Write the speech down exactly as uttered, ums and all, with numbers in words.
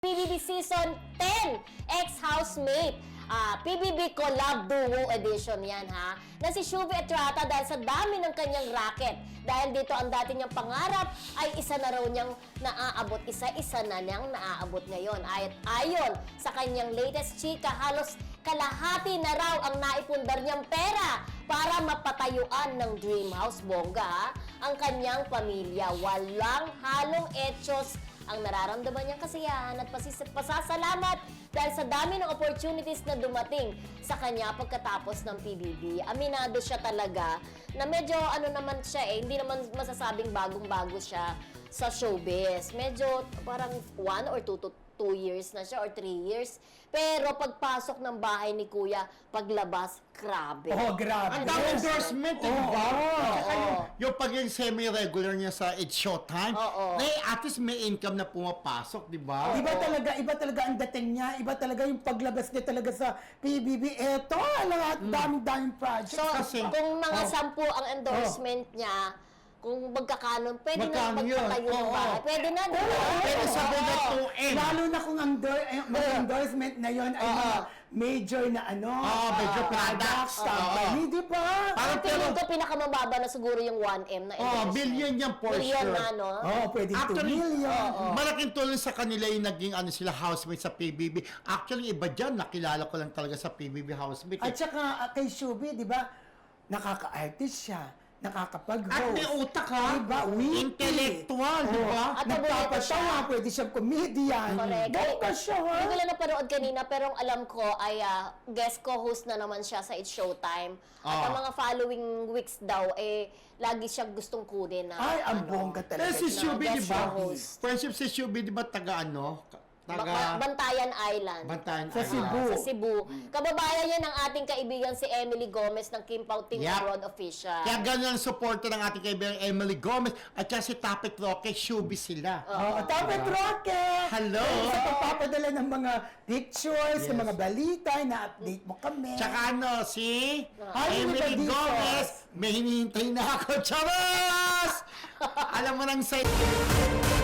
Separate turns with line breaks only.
P B B Season ten, ex-housemate. Ah, P B B Collab Duo Edition yan ha. Na si Shuvi Estrada dahil sa dami ng kanyang racket. Dahil dito ang dati niyang pangarap ay isa na raw niyang naaabot. Isa-isa na niyang naaabot ngayon. At ayon sa kanyang latest chika, halos kalahati na raw ang naipundar niyang pera para mapatayuan ng dream house, bongga ha, ang kanyang pamilya. Walang halong etsyos ang nararamdaman niyang kasiyahan at pasis- pasasalamat dahil sa dami ng opportunities na dumating sa kanya pagkatapos ng P B B. Aminado siya talaga na medyo ano naman siya eh, hindi naman masasabing bagong-bago siya sa showbiz. Medyo parang one or two to two years na siya or three years. Pero pagpasok ng bahay ni Kuya, paglabas, grabe.
Oh, grabe.
Ang dami endorsement, eh, di ba?
oo,
Tsaka
oo.
yung, yung pag yung semi-regular niya sa It's Showtime,
Oo.
eh, at least may income na pumapasok, di ba?
Iba talaga, iba talaga ang dating niya, iba talaga yung paglabas niya talaga sa P B B. Eto, lahat, daming-daming project.
So,
Kasi-
kung mga
oh.
sampu ang endorsement niya, kung magkakanon, pwede na
Magkano yun?
magpatayo ng
Oo.
bahay. Pwede na, di ba?
Pero sa na two M.
Lalo na kung ang endor- eh, mga endorsement na yon ay mga major na ano,
Oo, major products.
company, di ba?
Parang
Ang tingin
pero,
ko, pinakamababa na siguro yung one M na
oh,
endorsement.
billion yan for
Billion
sure.
na, no?
Oh, pwede two
Actually,
million.
malaking tulong sa kanila yung naging ano sila housemate sa P B B. Actually, iba dyan, nakilala ko lang talaga sa P B B housemate.
At
Eh.
saka ah, kay Shubi, di ba, nakaka-artist siya, nakakapag-host.
At may utak, ha?
Diba? Witty.
Intellectual, di ba?
At paborito
Nagpapatawa,
siya.
pwede siyang comedian.
Correct.
Bongga siya, ha?
Hindi ko lang napanood kanina, pero ang alam ko ay ah, guest co-host na naman siya sa It's Showtime. At
Ah.
ang mga following weeks daw, eh, lagi siya gustong kunin na,
Ay, ang
ano,
bongga
Pero
talaga.
si
na
Shubi, di
guest
ba?
host.
Friendship si Shubi, di ba, taga ano?
Ba-
Taga
Bantayan Island.
Bantayan
Sa
Island.
Cebu.
Sa Cebu. Kababayan yan ng ating kaibigan si Emily Gomez ng Kim Pao Team
Yep.
Abroad Official.
Kaya ganun ang suporta ng ating kaibigan Emily Gomez at saka si Tapit Roque, Shubi sila.
Oo, Tapet Rocket!
Hello!
Sa pagpapadala ng mga pictures, ng
Yes.
mga balita, na-update mo kami.
Tsaka ano, si
Hi,
Emily
Rita
Gomez,
Dizos.
may hinihintay na ako. Charos! Alam mo nang say...